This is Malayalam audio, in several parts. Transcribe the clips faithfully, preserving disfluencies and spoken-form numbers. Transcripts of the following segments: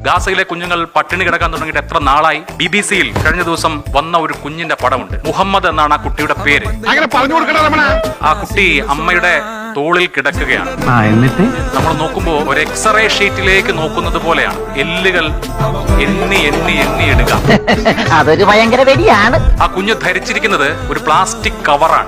ഗാസയിലെ കുഞ്ഞുങ്ങൾ പട്ടിണി കിടക്കാൻ തുടങ്ങിയിട്ട് എത്ര നാളായി? ബി ബി സിയിൽ കഴിഞ്ഞ ദിവസം വന്ന ഒരു കുഞ്ഞിന്റെ പടമുണ്ട്. മുഹമ്മദ് എന്നാണ് ആ കുട്ടിയുടെ പേര്. ആ കുട്ടി അമ്മയുടെ തോളിൽ കിടക്കുകയാണ്. എന്നിട്ട് നമ്മൾ നോക്കുമ്പോൾ ഒരു എക്സ്റേ ഷീറ്റിലേക്ക് നോക്കുന്നത് പോലെയാണ്. എല്ലുകൾ എണ്ണി എണ്ണി എണ്ണി എടുക്കുക. അതൊരു ഭയങ്കര വെടിയാണ്. ആ കുഞ്ഞ് ധരിച്ചിരിക്കുന്നത് ഒരു പ്ലാസ്റ്റിക് കവറാണ്.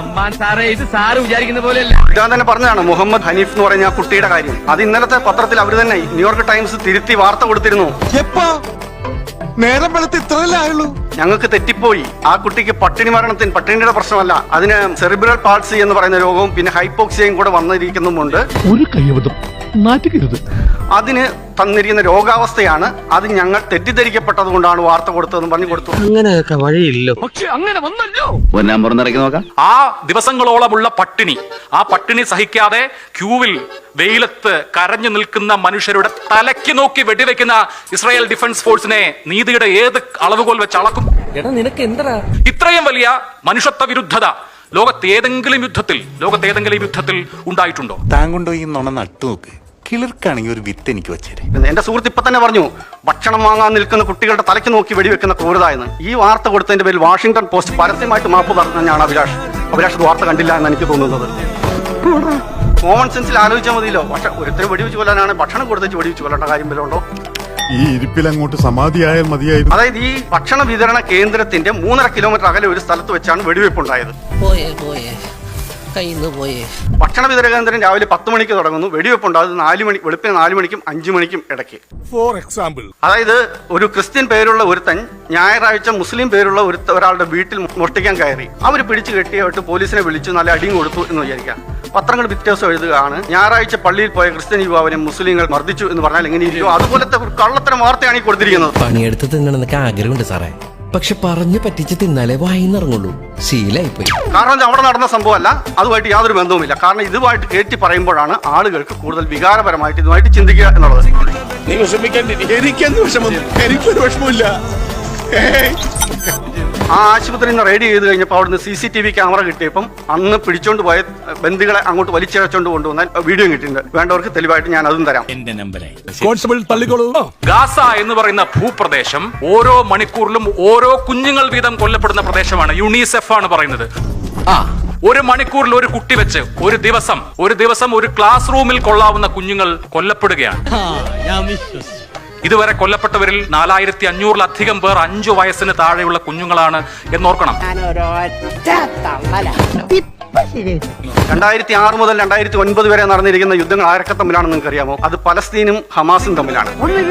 ഇതാ തന്നെ പറഞ്ഞതാണ് മുഹമ്മദ് ഹനീഫ് എന്ന് പറയുന്ന ആ കുട്ടിയുടെ കാര്യം. അത് ഇന്നലത്തെ പത്രത്തിൽ അവർ തന്നെ ന്യൂയോർക്ക് ടൈംസ് തിരുത്തി വാർത്ത കൊടുത്തിരുന്നു. നേരം വെളുത്ത് ഇത്രയല്ലേ ആയുള്ളൂ. ഞങ്ങൾക്ക് തെറ്റിപ്പോയി. ആ കുട്ടിക്ക് പട്ടിണി മരണത്തിന് പട്ടിണിയുടെ പ്രശ്നമല്ല, അതിന് സെറിബ്രൽ പാൾസി എന്ന് പറയുന്ന രോഗവും പിന്നെ ഹൈപ്പോക്സിയയും കൂടെ വന്നിരിക്കുന്നുമുണ്ട്. ഒരു കൈവതം നാറ്റുകരുത്. അതിന് തന്നിരിക്കുന്ന രോഗാവസ്ഥയാണ്. അത് ഞങ്ങൾ തെറ്റിദ്ധരിക്കപ്പെട്ടത് കൊണ്ടാണ് വാർത്ത കൊടുത്തതെന്ന് പറഞ്ഞു കൊടുത്തു. അങ്ങനെയൊക്കെ വഴിയില്ലോ. പക്ഷെ അങ്ങനെ വന്നല്ലോ. ആ ദിവസങ്ങളോളമുള്ള പട്ടിണി, ആ പട്ടിണി സഹിക്കാതെ ക്യൂവിൽ വെയിലത്ത് കരഞ്ഞു നിൽക്കുന്ന മനുഷ്യരുടെ തലയ്ക്ക് നോക്കി വെടിവെക്കുന്ന ഇസ്രായേൽ ഡിഫൻസ് ഫോഴ്സിനെ നീതിയുടെ ഏത് അളവുകോൽ വെച്ച് അളക്കും? ഇത്രയും വലിയ മനുഷ്യത്വ വിരുദ്ധത ലോകത്ത് ഏതെങ്കിലും യുദ്ധത്തിൽ ലോകത്ത് ഏതെങ്കിലും യുദ്ധത്തിൽ ഉണ്ടായിട്ടുണ്ടോ? താങ്കൊണ്ടോ ഈ നുണ നട്ടു നോക്ക്. കിളിർക്കാണെങ്കിൽ ഒരു വിത്ത് എനിക്ക് വെച്ചേരെ. എന്റെ സുഹൃത്ത് ഇപ്പൊ തന്നെ പറഞ്ഞു ഭക്ഷണം വാങ്ങാൻ നിൽക്കുന്ന കുട്ടികളുടെ തലയ്ക്ക് നോക്കി വെടിവെക്കുന്ന ക്രൂരത എന്ന്. ഈ വാർത്ത കൊടുത്തതിന്റെ പേരിൽ വാഷിംഗ്ടൺ പോസ്റ്റ് പരസ്യമായിട്ട് മാപ്പ് പറഞ്ഞാണ് അഭിലാഷ്. അഭിലാഷ് വാർത്ത കണ്ടില്ല എന്ന് എനിക്ക് തോന്നുന്നത്. കോമൺ സെൻസിൽ ആലോചിച്ചാൽ മതിയല്ലോ. പക്ഷെ ഒരുത്തരം വെടിവെച്ച് കൊല്ലാനാണ് ഭക്ഷണം കൊടുത്തേച്ച് വെടിവെച്ച് കൊല്ലേണ്ട കാര്യം വല്ലതുണ്ടോ? ഈ ഇരിപ്പിൽ അങ്ങോട്ട് സമാധിയായാൽ മതിയായിരുന്നു. അതായത് ഈ ഭക്ഷണ വിതരണ കേന്ദ്രത്തിന്റെ മൂന്നര കിലോമീറ്റർ അകലെ ഒരു സ്ഥലത്ത് വെച്ചാണ് വെടിവെപ്പ് ഉണ്ടായത്. ഭക്ഷണ വിതരണ കേന്ദ്രം രാവിലെ പത്ത് മണിക്ക് തുടങ്ങുന്നു. വെടിവെപ്പ് ഉണ്ടാകുന്നത് നാല് മണി വെളുപ്പിന് നാല് മണിക്കും അഞ്ചു മണിക്കും ഇടയ്ക്ക്. ഫോർ എക്സാമ്പിൾ, അതായത് ഒരു ക്രിസ്ത്യൻ പേരുള്ള ഒരുത്തൻ ഞായറാഴ്ച മുസ്ലിം പേരുള്ള ഒരു ഒരാളുടെ വീട്ടിൽ മോഷ്ടിക്കാൻ കയറി. അവർ പിടിച്ചു കെട്ടിയായിട്ട് പോലീസിനെ വിളിച്ചു നല്ല അടിയും കൊടുത്തു എന്ന് വിചാരിക്കാം. പത്രങ്ങൾ പിറ്റേ ദിവസം എഴുതുകയാണ് ഞായറാഴ്ച പള്ളിയിൽ പോയ ക്രിസ്ത്യൻ യുവാവിനെ മുസ്ലിങ്ങൾ മർദ്ദിച്ചു എന്ന് പറഞ്ഞാൽ എങ്ങനെയിരിക്കും? അതുപോലത്തെ ഒരു കള്ളത്തരം വാർത്തയാണ് ഈ കൊടുത്തിരിക്കുന്നത്. പണിയെടുത്ത് തിന്നണമെന്നൊക്കെ ആഗ്രഹമുണ്ട് സാറേ, പക്ഷെ പറഞ്ഞു പറ്റിച്ച് തിന്നാലേ വായിന്നിറങ്ങുള്ളൂ. ശീലായിപ്പോയി. കാരണം അവിടെ നടന്ന സംഭവമല്ല, അതുമായിട്ട് യാതൊരു ബന്ധവുമില്ല. കാരണം ഇതുമായിട്ട് കയറ്റി പറയുമ്പോഴാണ് ആളുകൾക്ക് കൂടുതൽ വികാരപരമായിട്ട് ഇതുമായിട്ട് ചിന്തിക്കുക എന്നുള്ളത്. എനിക്കെന്ത് വിഷമം? എനിക്കൊരു വിഷമമില്ല. ആ ആശുപത്രി നിന്ന് റെയ്ഡ് ചെയ്ത് കഴിഞ്ഞപ്പോൾ അവിടുന്ന് C C T V camera കിട്ടിയപ്പം അന്ന് പിടിച്ചോണ്ട് പോയ ബന്ദികളെ അങ്ങോട്ട് വലിച്ചിഴച്ചോണ്ട് കൊണ്ടുവന്നാൽ വീഡിയോ കിട്ടിയിട്ടുണ്ട്. വേണ്ടവർക്ക് തെളിവായിട്ട് ഞാൻ അതും തരാം. കോൺസ്റ്റബിൾ തള്ളിക്കോളൂ. ഗാസ എന്ന് പറയുന്ന ഭൂപ്രദേശം ഓരോ മണിക്കൂറിലും ഓരോ കുഞ്ഞുങ്ങൾ വീതം കൊല്ലപ്പെടുന്ന പ്രദേശമാണ്. യുണിസെഫ് ആണ് പറയുന്നത്. ഒരു മണിക്കൂറിൽ ഒരു കുട്ടി വെച്ച് ഒരു ദിവസം ഒരു ദിവസം ഒരു ക്ലാസ് റൂമിൽ കൊള്ളാവുന്ന കുഞ്ഞുങ്ങൾ കൊല്ലപ്പെടുകയാണ്. ഇതുവരെ കൊല്ലപ്പെട്ടവരിൽ നാലായിരത്തി അഞ്ഞൂറിലധികം പേർ അഞ്ചു വയസ്സിന് താഴെയുള്ള കുഞ്ഞുങ്ങളാണ് എന്നോർക്കണം. രണ്ടായിരത്തി ആറ് മുതൽ രണ്ടായിരത്തി ഒൻപത് വരെ നടന്നിരിക്കുന്ന യുദ്ധങ്ങൾ ആരൊക്കെ തമ്മിലാണെന്ന് നിങ്ങൾക്ക് അറിയാമോ? അത് പലസ്തീനും ഹമാസും തമ്മിലാണ്.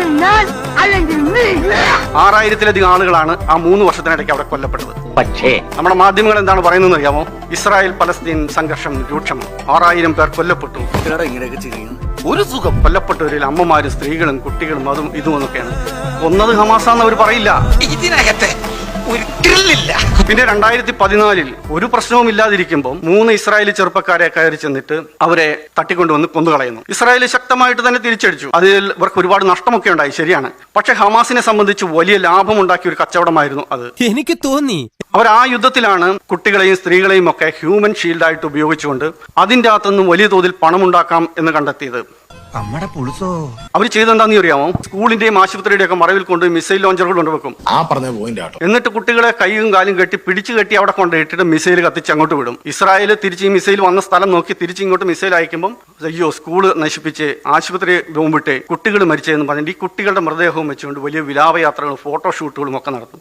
ആറായിരത്തിലധികം ആളുകളാണ് ആ മൂന്ന് വർഷത്തിനിടയ്ക്ക് അവിടെ കൊല്ലപ്പെട്ടത്. പക്ഷേ നമ്മുടെ മാധ്യമങ്ങൾ എന്താണ് പറയുന്നത് അറിയാമോ? ഇസ്രായേൽ പലസ്തീൻ സംഘർഷം രൂക്ഷം, ആറായിരം പേർ കൊല്ലപ്പെട്ടു. ഒരു സുഖം. കൊല്ലപ്പെട്ടവരിൽ അമ്മമാരും സ്ത്രീകളും കുട്ടികളും അതും ഇതും എന്നൊക്കെയാണ്. കൊന്നത് ഹമാസാന്ന് അവർ പറയില്ല. ഇതിനകത്തെ പിന്നെ രണ്ടായിരത്തി പതിനാലിൽ ഒരു പ്രശ്നവും ഇല്ലാതിരിക്കുമ്പോൾ മൂന്ന് ഇസ്രായേലി ചെറുപ്പക്കാരെ കയറി ചെന്നിട്ട് അവരെ തട്ടിക്കൊണ്ടുവന്ന് കൊന്നുകളയുന്നു. ഇസ്രായേൽ ശക്തമായിട്ട് തന്നെ തിരിച്ചടിച്ചു. അതിൽ ഇവർക്ക് ഒരുപാട് നഷ്ടമൊക്കെ ഉണ്ടായി, ശരിയാണ്. പക്ഷെ ഹമാസിനെ സംബന്ധിച്ച് വലിയ ലാഭം ഉണ്ടാക്കിയ ഒരു കച്ചവടമായിരുന്നു അത്. എനിക്ക് തോന്നി അവർ ആ യുദ്ധത്തിലാണ് കുട്ടികളെയും സ്ത്രീകളെയും ഒക്കെ ഹ്യൂമൻ ഷീൽഡായിട്ട് ഉപയോഗിച്ചുകൊണ്ട് അതിൻ്റെ അകത്തുനിന്നും വലിയ തോതിൽ പണമുണ്ടാക്കാം എന്ന് കണ്ടെത്തിയത്. അവർ ചെയ്തെന്താന്ന് അറിയാമോ? സ്കൂളിന്റെയും ആശുപത്രിയുടെയും ഒക്കെ മറവിൽ കൊണ്ട് മിസൈൽ ലോഞ്ചറുകൾ കൊണ്ടുവെക്കും. എന്നിട്ട് കുട്ടികളെ കൈയും കാലും കെട്ടി പിടിച്ചു കെട്ടി അവിടെ കൊണ്ടിട്ടിട്ട് മിസൈൽ കത്തിച്ച് അങ്ങോട്ട് വിടും. ഇസ്രായേൽ തിരിച്ച് ഈ മിസൈൽ വന്ന സ്ഥലം നോക്കി തിരിച്ച് ഇങ്ങോട്ട് മിസൈൽ അയക്കുമ്പോൾ അയ്യോ സ്കൂള് നശിപ്പിച്ച് ആശുപത്രി ബോംബിട്ട് കുട്ടികൾ മരിച്ചതെന്ന് പറഞ്ഞിട്ട് ഈ കുട്ടികളുടെ മൃതദേഹവും വെച്ചുകൊണ്ട് വലിയ വിലാപയാത്രകളും ഫോട്ടോഷൂട്ടുകളും ഒക്കെ നടത്തും.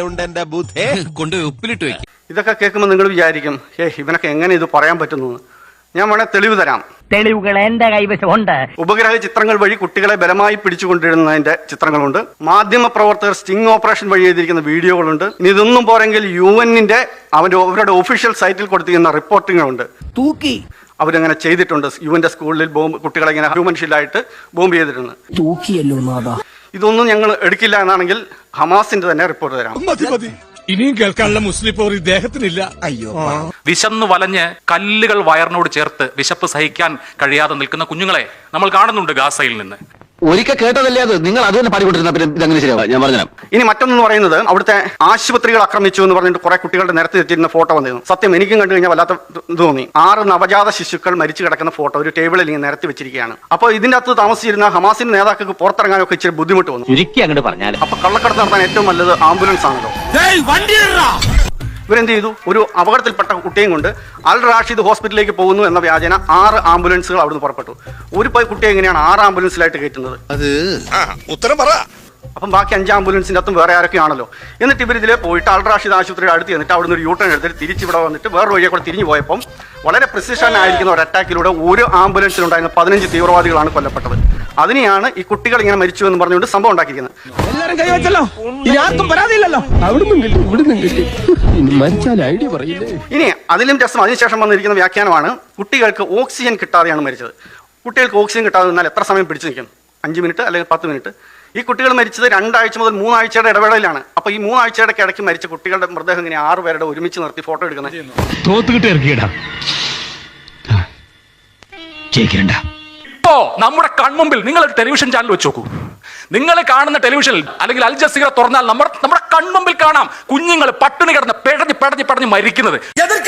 ഇതൊക്കെ കേൾക്കുമ്പോൾ നിങ്ങൾ വിചാരിക്കും ഏ ഇവനൊക്കെ എങ്ങനെ ഇത് പറയാൻ പറ്റുന്നു? ഞാൻ വേണേ തെളിവ് തരാം. തെളിവുകൾ എന്റെ കൈവശമുണ്ട്. ഉപഗ്രഹ ചിത്രങ്ങൾ വഴി കുട്ടികളെ ബലമായി പിടിച്ചുകൊണ്ടിരുന്നതിന്റെ ചിത്രങ്ങളുണ്ട്. മാധ്യമ പ്രവർത്തകർ സ്റ്റിംഗ് ഓപ്പറേഷൻ വഴി ചെയ്തിരിക്കുന്ന വീഡിയോകളുണ്ട്. ഇനി ഇതൊന്നും പോരെങ്കിൽ യു എന്നിന്റെ അവന്റെ അവരുടെ ഒഫീഷ്യൽ സൈറ്റിൽ കൊടുത്തിരിക്കുന്ന റിപ്പോർട്ടിങ്ങുണ്ട്. തൂക്കി അവരങ്ങനെ ചെയ്തിട്ടുണ്ട്. യു എന്റെ സ്കൂളിൽ ബോംബ് കുട്ടികളെ ഇങ്ങനെ ഹ്യൂമൻ ഷീൽഡായിട്ട് ബോംബ് ചെയ്തിട്ടുണ്ട്. തൂക്കിയല്ലോ. ഇതൊന്നും ഞങ്ങൾ എടുക്കില്ല എന്നാണെങ്കിൽ ഹമാസിന്റെ തന്നെ റിപ്പോർട്ട് തരാം. ഇനിയും കേൾക്കാനുള്ള മുസ്ലിം പോർ ഇദ്ദേഹത്തിനില്ല. അയ്യോ, വിശന്നു വലഞ്ഞ് കല്ലുകൾ വയറിനോട് ചേർത്ത് വിശപ്പ് സഹിക്കാൻ കഴിയാതെ നിൽക്കുന്ന കുഞ്ഞുങ്ങളെ നമ്മൾ കാണുന്നുണ്ട് ഗാസയിൽ നിന്ന്. ഒരിക്കൽ കേട്ടതല്ലേ അത്, നിങ്ങൾ അത് തന്നെ പാടിക്കൊണ്ടിരുന്ന പിന്നെ ഇതങ്ങനെ ശരിയാവും. ഞാൻ പറഞ്ഞുതരാം. ഇനി മറ്റൊന്നെന്ന് പറയുന്നത് അവിടുത്തെ ആശുപത്രികൾ ആക്രമിച്ചു എന്ന് പറഞ്ഞിട്ട് കുറെ കുട്ടികളുടെ നിരത്തി വെച്ചിരുന്ന ഫോട്ടോ വന്നിരുന്നു. സത്യം എനിക്കും കണ്ടു കഴിഞ്ഞാൽ വല്ലാത്ത ഇത് തോന്നി. ആറ് നവജാത ശിശുക്കൾ മരിച്ചു കിടക്കുന്ന ഫോട്ടോ ഒരു ടേബിളിൽ ഇങ്ങനെ നിരത്തി വെച്ചിരിക്കുകയാണ്. അപ്പോൾ ഇതിന്റെ അകത്ത് താമസിച്ചിരുന്ന ഹമാസിന്റെ നേതാക്കൾക്ക് പുറത്തിറങ്ങാനൊക്കെ ഇച്ചിരി ബുദ്ധിമുട്ട് വന്നു. ചുരുക്കി അങ്ങോട്ട് പറഞ്ഞാൽ അപ്പൊ കള്ളക്കടത്ത് നടത്താൻ ഏറ്റവും നല്ലത് ആംബുലൻസ് ആണല്ലോ. ഇവരെന്ത് ചെയ്തു? ഒരു അപകടത്തിൽപ്പെട്ട കുട്ടിയും കൊണ്ട് അൽ റാഷിദ് ഹോസ്പിറ്റലിലേക്ക് പോകുന്നു എന്ന വ്യാജന ആറ് ആംബുലൻസുകൾ അവിടുന്ന് പുറപ്പെട്ടു. ഒരു കുട്ടിയെ എങ്ങനെയാണ് ആറ് ആംബുലൻസിലായിട്ട് കയറ്റുന്നത്? അത് ഉത്തരം പറ. അപ്പം ബാക്കി അഞ്ച് ആംബുലൻസിന്റെ അകത്തും വേറെ ആരൊക്കെയാണല്ലോ. എന്നിട്ട് ഇവർ ഇതിലെ പോയിട്ട് അൽ റാഷിദ് ആശുപത്രിയുടെ അടുത്ത് എന്നിട്ട് അവിടുന്ന് ഒരു യൂട്ടേൺ എടുത്തിട്ട് തിരിച്ചിവിടെ വന്നിട്ട് വേറെ വഴിയെ കൂടെ തിരിഞ്ഞു പോയപ്പം വളരെ പ്രിസിഷൻ ആയിരിക്കുന്ന ഒരു അറ്റാക്കിലൂടെ ഒരു ആംബുലൻസിലുണ്ടായിരുന്ന പതിനഞ്ച് തീവ്രവാദികളാണ് കൊല്ലപ്പെട്ടത്. അതിനെയാണ് ഈ കുട്ടികൾ ഇങ്ങനെ മരിച്ചു എന്ന് പറഞ്ഞുകൊണ്ട് സംഭവം ഉണ്ടാക്കിയിരിക്കുന്നത്. എല്ലാരും കൈവച്ചല്ലോ, ഇനി ആർക്കും പരാതിയില്ലല്ലോ. ഇനി അതിലും രസം അതിനുശേഷം വന്നിരിക്കുന്ന വ്യാഖ്യാനമാണ് കുട്ടികൾക്ക് ഓക്സിജൻ കിട്ടാതെയാണ് മരിച്ചത്. കുട്ടികൾക്ക് ഓക്സിജൻ കിട്ടാതെ നിന്നാൽ എത്ര സമയം പിടിച്ചു നിൽക്കും? അഞ്ച് മിനിറ്റ് അല്ലെങ്കിൽ പത്ത് മിനിറ്റ്. ഈ കുട്ടികൾ മരിച്ചത് രണ്ടാഴ്ച മുതൽ മൂന്നാഴ്ചയുടെ ഇടവേളയിലാണ്. അപ്പൊ ഈ മൂന്നാഴ്ചയുടെ ഇടയ്ക്ക് മരിച്ച കുട്ടികളുടെ മൃതദേഹം ഇങ്ങനെ ആറ് പേരുടെ ഒരുമിച്ച് നിർത്തി ഫോട്ടോ എടുക്കുന്നത്. ഇപ്പോ നമ്മുടെ കൺമുമ്പിൽ നിങ്ങൾ ഒരു ടെലിവിഷൻ ചാനൽ വെച്ച് നോക്കൂ. നിങ്ങൾ കാണുന്ന ടെലിവിഷനിൽ അല്ലെങ്കിൽ അൽ ജസീറ തുറന്നാൽ നമ്മുടെ നമ്മുടെ കൺമുമ്പിൽ കാണാം കുഞ്ഞുങ്ങൾ പട്ടിണി കിടന്ന് പെടഞ്ഞ് പെടഞ്ഞ് പെടഞ്ഞ് മരിക്കുന്നത്.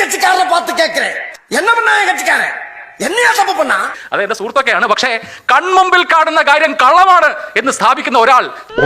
അത് എന്റെ സുഹൃത്തൊക്കെയാണ്. പക്ഷേ കൺമുമ്പിൽ കാണുന്ന കാര്യം കള്ളമാണ് എന്ന് സ്ഥാപിക്കുന്ന ഒരാൾ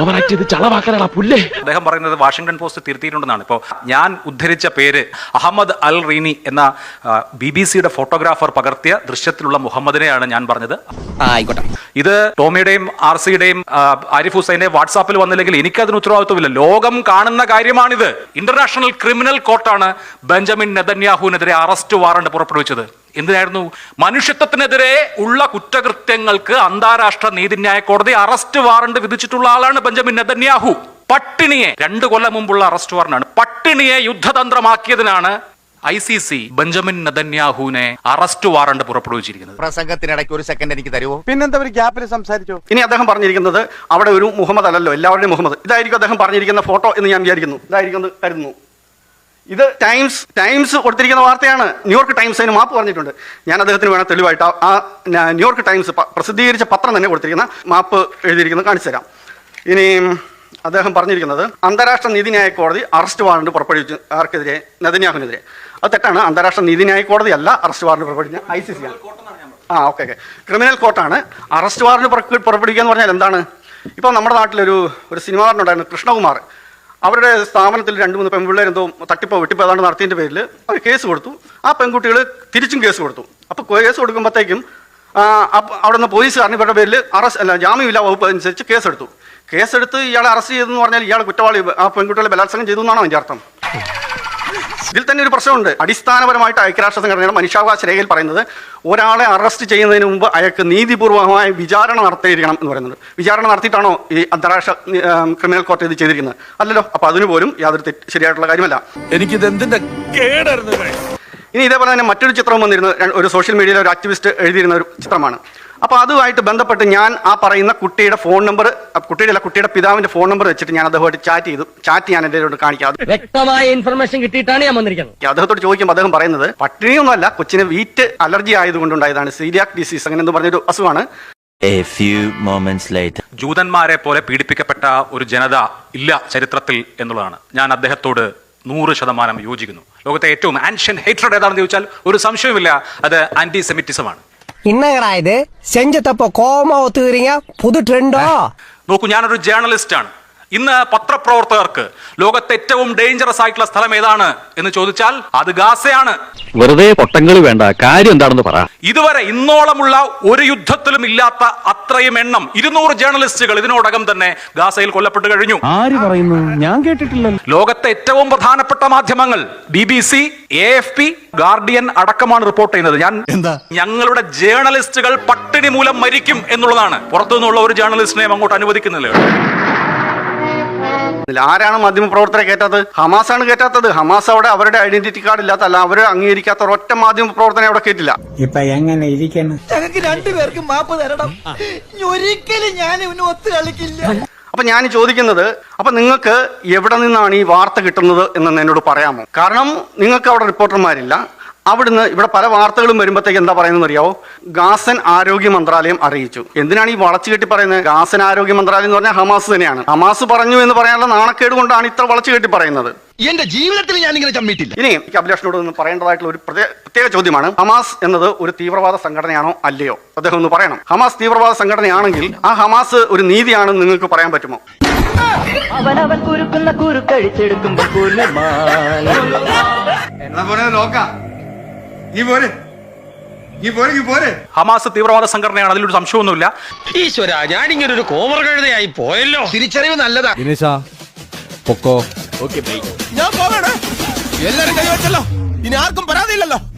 അദ്ദേഹം പറയുന്നത് വാഷിംഗ്ടൺ പോസ്റ്റ് തിരുത്തിയിട്ടുണ്ടെന്നാണ്. ഇപ്പോൾ ഞാൻ ഉദ്ധരിച്ച പേര് അഹമ്മദ് അൽ റീനി എന്ന ബി ബി സിയുടെ ഫോട്ടോഗ്രാഫർ പകർത്തിയ ദൃശ്യത്തിലുള്ള മുഹമ്മദിനെയാണ് ഞാൻ പറഞ്ഞത്. ആയിക്കോട്ടെ. ഇത് ടോമിയുടെയും ആർ സിയുടെയും ആരിഫ് ഹുസൈന്റെ വാട്സാപ്പിൽ വന്നില്ലെങ്കിൽ എനിക്കതിന് ഉത്തരവാദിത്വമില്ല. ലോകം കാണുന്ന കാര്യമാണിത്. ഇന്റർനാഷണൽ ക്രിമിനൽ കോർട്ടാണ് ബെഞ്ചമിൻ നെതന്യാഹുവിനെതിരെ അറസ്റ്റ് വാറണ്ട് പുറപ്പെടുവിച്ചത്. എന്തിനായിരുന്നു? മനുഷ്യത്വത്തിനെതിരെ ഉള്ള കുറ്റകൃത്യങ്ങൾക്ക് അന്താരാഷ്ട്ര നീതിന്യായ കോടതി അറസ്റ്റ് വാറണ്ട് വിധിച്ചിട്ടുള്ള ആളാണ് ബെഞ്ചമിൻ നെതന്യാഹു. പട്ടിണിയെ രണ്ട് കൊല്ലം മുമ്പുള്ള അറസ്റ്റ് വാറണ്ടാണ്. പട്ടിണിയെ യുദ്ധതന്ത്രമാക്കിയതിനാണ് ഐ സി സി ബെഞ്ചമിൻ നെതന്യാഹുവിനെ അറസ്റ്റ് വാറണ്ട് പുറപ്പെടുവിച്ചിരിക്കുന്നത്. പ്രസംഗത്തിനിടയ്ക്ക് ഒരു സെക്കൻഡ് എനിക്ക് തരുമോ? പിന്നെന്താ ഒരു ഗ്യാപ്പിൽ സംസാരിച്ചോ? ഇനി അദ്ദേഹം പറഞ്ഞിരിക്കുന്നത് അവിടെ ഒരു മുഹമ്മദ് അല്ലല്ലോ, എല്ലാവരുടെയും മുഹമ്മദ്. ഇതായിരിക്കും അദ്ദേഹം പറഞ്ഞിരിക്കുന്ന ഫോട്ടോ എന്ന് ഞാൻ വിചാരിക്കുന്നു. ഇതായിരിക്കും കരുതുന്നു. ഇത് ടൈംസ് ടൈംസ് കൊടുത്തിരിക്കുന്ന വാർത്തയാണ്. ന്യൂയോർക്ക് ടൈംസ് അതിന് മാപ്പ് പറഞ്ഞിട്ടുണ്ട്. ഞാൻ അദ്ദേഹത്തിന് വേണം തെളിവായിട്ട് ആ ന്യൂയോർക്ക് ടൈംസ് പ്രസിദ്ധീകരിച്ച പത്രം തന്നെ കൊടുത്തിരിക്കുന്ന മാപ്പ് എഴുതിയിരിക്കുന്നത് കാണിച്ചു തരാം. ഇനി അദ്ദേഹം പറഞ്ഞിരിക്കുന്നത് അന്താരാഷ്ട്ര നീതിന്യായ കോടതി അറസ്റ്റ് വാറണ്ട് പുറപ്പെടുവിച്ചു ആർക്കെതിരെ? നെതന്യാഹുവിനെതിരെ. അത് തെറ്റാണ്. അന്താരാഷ്ട്ര നീതിന്യായ കോടതി അല്ല അറസ്റ്റ് വാറണ്ട് പുറപ്പെടുവിച്ച ഐ സി സി ആണ്. ആ ഓക്കെ ഓക്കെ ക്രിമിനൽ കോർട്ടാണ്. അറസ്റ്റ് വാറണ്ട് പുറപ്പെടുവിക്കുക എന്ന് പറഞ്ഞാൽ എന്താണ്? ഇപ്പോൾ നമ്മുടെ നാട്ടിലൊരു ഒരു സിനിമ നടനുണ്ടായിരുന്നു, കൃഷ്ണകുമാർ. അവരുടെ സ്ഥാപനത്തിൽ രണ്ട് മൂന്ന് പെൺപിള്ളേർ എന്തോ തട്ടിപ്പോ വെട്ടിപ്പോ ഏതാണ്ട് നടത്തിയതിൻ്റെ പേരിൽ അവർ കേസ് കൊടുത്തു. ആ പെൺകുട്ടികൾ തിരിച്ചും കേസ് കൊടുത്തു. അപ്പോൾ കേസ് കൊടുക്കുമ്പോഴത്തേക്കും അവിടെ നിന്ന് പോലീസുകാരൻ ഇവരുടെ പേരിൽ അറസ്റ്റ് അല്ല ജാമ്യമില്ല വകുപ്പ് അനുസരിച്ച് കേസെടുത്തു. കേസെടുത്ത് ഇയാളെ അറസ്റ്റ് ചെയ്തെന്ന് പറഞ്ഞാൽ ഇയാൾ കുറ്റവാളി, ആ പെൺകുട്ടികളെ ബലാത്സംഗം ചെയ്തു എന്നാണോ അതിൻ്റെ അർത്ഥം? ഇതിൽ തന്നെ ഒരു പ്രശ്നമുണ്ട്. അടിസ്ഥാനപരമായിട്ട് ഐക്യരാഷ്ട്ര സംഘടനയുടെ മനുഷ്യാവകാശ രേഖയിൽ പറയുന്നത് ഒരാളെ അറസ്റ്റ് ചെയ്യുന്നതിന് മുമ്പ് അയാൾക്ക് നീതിപൂർവമായ വിചാരണ നടത്തിയിരിക്കണം എന്ന് പറയുന്നത്. വിചാരണ നടത്തിയിട്ടാണോ ഈ അന്താരാഷ്ട്ര ക്രിമിനൽ കോർട്ട് ഇത് ചെയ്തിരിക്കുന്നത്? അല്ലല്ലോ. അപ്പൊ അതിന് പോലും യാതൊരു തെറ്റ് ശരിയായിട്ടുള്ള കാര്യമല്ല. എനിക്കിത് എന്തിന്റെ കേടായിരുന്നു. ഇനി ഇതേപോലെ തന്നെ മറ്റൊരു ചിത്രം വന്നിരുന്നു. ഒരു സോഷ്യൽ മീഡിയയിലെ ഒരു ആക്ടിവിസ്റ്റ് എഴുതിയിരുന്ന ഒരു ചിത്രമാണ്. അപ്പോൾ അതുമായിട്ട് ബന്ധപ്പെട്ട് ഞാൻ ആ പറയുന്ന കുട്ടിയുടെ ഫോൺ നമ്പർ, കുട്ടിയുടെ അല്ല കുട്ടിയുടെ പിതാവിന്റെ ഫോൺ നമ്പർ വെച്ചിട്ട് ഞാൻ അദ്ദേഹമായിട്ട് ചാറ്റ് ചെയ്തു. ചാറ്റ് ഞാൻ എൻ്റെ കാണിക്കാം. വ്യക്തമായ ഇൻഫർമേഷൻ കിട്ടിയിട്ടാണ് ഞാൻ വന്നിരിക്കുന്നത്. അദ്ദേഹത്തോട് ചോദിക്കുമ്പോൾ അദ്ദേഹം പറയുന്നത് പട്ടിണിയൊന്നുമല്ല, കൊച്ചിന് വീറ്റ് അലർജി ആയതുകൊണ്ടുണ്ടായതാണ്, സീരിയാക് ഡിസീസ് അങ്ങനെ എന്ന് പറഞ്ഞൊരു അസുഖമാണ്. A few moments later. ജൂതന്മാരെ പോലെ പീഡിപ്പിക്കപ്പെട്ട ഒരു ജനത ഇല്ല ചരിത്രത്തിൽ എന്നുള്ളതാണ്. ഞാൻ അദ്ദേഹത്തോട് നൂറ് ശതമാനം യോജിക്കുന്നു. ലോകത്തെ ഏറ്റവും ആൻഷ്യൻ ഹേറ്റ്രഡ് ഏതാണെന്ന് ചോദിച്ചാൽ ഒരു സംശയവുമില്ല, അത് ആന്റി സെമിറ്റിസമാണ്. என்னங்கடா இது செஞ்ச தப்ப கோமா ஒத்துக்கிறீங்க? புது ட்ரெண்டோ? നോക്കൂ, ഞാനൊരു ജേർണലിസ്റ്റ് ആണ്. ഇന്ന് പത്രപ്രവർത്തകർക്ക് ലോകത്തെ ഏറ്റവും ഡേഞ്ചറസ് ആയിട്ടുള്ള സ്ഥലം ഏതാണ് എന്ന് ചോദിച്ചാൽ അത് ഗാസയാണ്. വെറുതെ പൊട്ടങ്ങൾ വേണ്ട, കാര്യം എന്താണെന്ന് പറ. ഇതുവരെ ഇന്നോളമുള്ള ഒരു യുദ്ധത്തിലും ഇല്ലാത്ത അത്രയും എണ്ണം ഇരുന്നൂറ് ജേർണലിസ്റ്റുകൾ ഇതിനോടകം തന്നെ ഗാസയിൽ കൊല്ലപ്പെട്ടു കഴിഞ്ഞു. ആര് പറയുന്നു? ഞാൻ കേട്ടിട്ടില്ല. ലോകത്തെ ഏറ്റവും പ്രധാനപ്പെട്ട മാധ്യമങ്ങൾ B B C, A F P, Guardian അടക്കമാണ് റിപ്പോർട്ട് ചെയ്യുന്നത്. ഞാൻ ഞങ്ങളുടെ ജേർണലിസ്റ്റുകൾ പട്ടിണി മൂലം മരിക്കും എന്നുള്ളതാണ്. പുറത്തുനിന്നുള്ള ഒരു ജേർണലിസ്റ്റിനെയും അങ്ങോട്ട് അനുവദിക്കുന്നില്ല. ആരാണ് മാധ്യമപ്രവർത്തകരെ കയറ്റാത്തത്? ഹമാസാണ് കയറ്റാത്തത്. ഹമാസ് അവിടെ അവരുടെ ഐഡന്റിറ്റി കാർഡ് ഇല്ലാത്ത, അല്ല അവരെ അംഗീകരിക്കാത്ത ഒരൊറ്റ മാധ്യമ പ്രവർത്തനം അവിടെ കയറ്റില്ല. ഇപ്പൊ എങ്ങനെ ഇരിക്കണം? ഞങ്ങൾക്ക് രണ്ടുപേർക്കും മാപ്പ് തരണം. ഒരിക്കലും ഞാൻ ഇവന് ഒത്തു കളിക്കില്ല. അപ്പൊ ഞാൻ ചോദിക്കുന്നത്, അപ്പൊ നിങ്ങൾക്ക് എവിടെ നിന്നാണ് ഈ വാർത്ത കിട്ടുന്നത് എന്ന് എന്നോട് പറയാമോ? കാരണം നിങ്ങൾക്ക് അവിടെ റിപ്പോർട്ടർമാരില്ല, അവിടുന്ന് ഇവിടെ പല വാർത്തകളും വരുമ്പോഴത്തേക്ക് എന്താ പറയുന്നത് അറിയാവോ? ഗാസൻ ആരോഗ്യ മന്ത്രാലയം അറിയിച്ചു. എന്തിനാണ് ഈ വളച്ചു കെട്ടി പറയുന്നത്? ഗാസൻ ആരോഗ്യ മന്ത്രാലയം എന്ന് പറഞ്ഞാൽ ഹമാസ് തന്നെയാണ്. ഹമാസ് പറഞ്ഞു എന്ന് പറയാനുള്ള നാണക്കേട് കൊണ്ടാണ് ഇത്ര വളച്ചു കെട്ടി പറയുന്നത്. എന്റെ ജീവിതത്തിൽ ഞാൻ ഇങ്ങനെ ചമ്മിട്ടില്ല. ഇനി എനിക്ക് അഭിലാഷിനോട് ഒന്ന് പറയേണ്ടതായിട്ടുള്ള ഒരു പ്രത്യേക പ്രത്യേക ചോദ്യമാണ്, ഹമാസ് എന്നത് ഒരു തീവ്രവാദ സംഘടനയാണോ അല്ലയോ? അദ്ദേഹം ഒന്ന് പറയണം. ഹമാസ് തീവ്രവാദ സംഘടനയാണെങ്കിൽ ആ ഹമാസ് ഒരു നീതിയാണെന്ന് നിങ്ങൾക്ക് പറയാൻ പറ്റുമോ? അവനവൻ കുരുക്കുന്ന കുരുക്കഴിച്ചെടുക്കുമ്പോ ഹമാസ് തീവ്രവാദ സംഘടനയാണ്, അതിലൊരു സംശയമൊന്നുമില്ല. ഈശ്വര, ഞാനിങ്ങനെ ഒരു കോമർ കഴുതയായി പോയല്ലോ. തിരിച്ചറിവ് നല്ലതാ. പൊക്കോ. ഞാൻ പോകണേ. എല്ലാരും കൈവച്ചല്ലോ, ഇനി ആർക്കും പരാതിയില്ലല്ലോ.